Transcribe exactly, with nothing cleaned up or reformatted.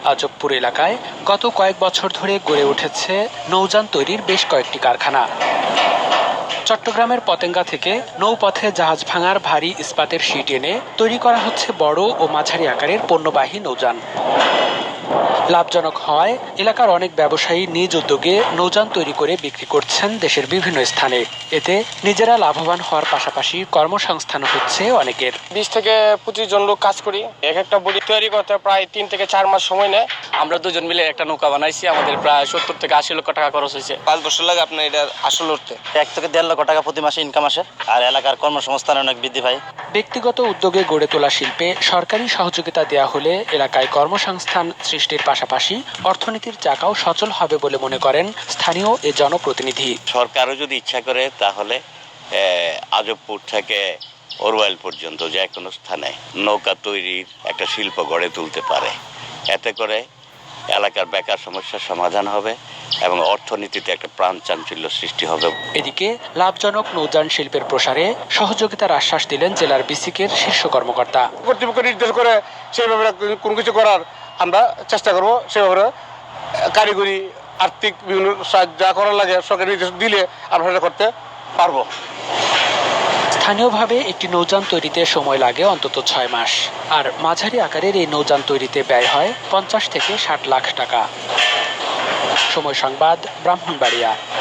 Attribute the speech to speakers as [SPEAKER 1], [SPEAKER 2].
[SPEAKER 1] আজবপুর এলাকায় গত কয়েক বছর ধরে গড়ে উঠেছে নৌযান তৈরির বেশ কয়েকটি কারখানা। চট্টগ্রামের পতেঙ্গা থেকে নৌপথে জাহাজ ভাঙার ভারী ইস্পাতের শিট এনে তৈরি করা হচ্ছে বড় ও মাঝারি আকারের পণ্যবাহী নৌযান। লাভজনক হওয়ায় এলাকার অনেক ব্যবসায়ী নিজ উদ্যোগে নৌযান তৈরি করে বিক্রি করছেন দেশের বিভিন্ন স্থানে। এতে নিজেরা লাভবান হওয়ার পাশাপাশি কর্মসংস্থান হচ্ছে অনেকের।
[SPEAKER 2] বিশ থেকে পঁচিশ জন লোক কাজ করি। এক একটা বডি তৈরি করতে প্রায় তিন থেকে চার মাস সময় নেয়।
[SPEAKER 3] আমরা দুজন মিলে একটা নৌকা বানাইছি, আমাদের প্রায় সত্তর থেকে আশি লক্ষ টাকা খরচ হয়েছে।
[SPEAKER 2] পাঁচ বছর লাগে আপনার এটা আসল উঠতে।
[SPEAKER 4] এক থেকে দেড় লক্ষ টাকা প্রতি মাসে ইনকাম আসে, আর এলাকার কর্মসংস্থান অনেক বৃদ্ধি পায়।
[SPEAKER 1] ব্যক্তিগত উদ্যোগে গড়ে তোলা শিল্পে সরকারি সহযোগিতা দেওয়া হলে এলাকায় কর্মসংস্থান সৃষ্টির পাশাপাশি অর্থনীতির চাকাও সচল হবে বলে মনে করেন স্থানীয় এ জনপ্রতিনিধি।
[SPEAKER 5] সরকারও যদি ইচ্ছা করে তাহলে আজবপুর থেকে ওরওয়াইল পর্যন্ত যে কোনো স্থানে নৌকা তৈরির একটা শিল্প গড়ে তুলতে পারে। এতে করে এলাকার বেকার সমস্যার সমাধান হবে এবং অর্থনীতিতে একটা প্রাণ চাঞ্চল্য সৃষ্টি হবে।
[SPEAKER 1] এদিকে লাভজনক নৌযান শিল্পের প্রসারে সহযোগিতার আশ্বাস দিলেন জেলার বিসিকের শীর্ষ কর্মকর্তা।
[SPEAKER 2] কর্তৃপক্ষ নির্দেশ করে সেইভাবে কোনো কিছু করার আমরা চেষ্টা করব। সেভাবে কারিগরি আর্থিক বিভিন্ন সাহায্য যা করার লাগে সরকারি নির্দেশ দিলে আমরা সেটা করতে পারবো।
[SPEAKER 1] স্থানীয়ভাবে একটি নৌযান তৈরিতে সময় লাগে অন্তত ছয় মাস, আর মাঝারি আকারের এই নৌযান তৈরিতে ব্যয় হয় পঞ্চাশ থেকে ষাট লাখ টাকা। সময় সংবাদ, ব্রাহ্মণবাড়িয়া।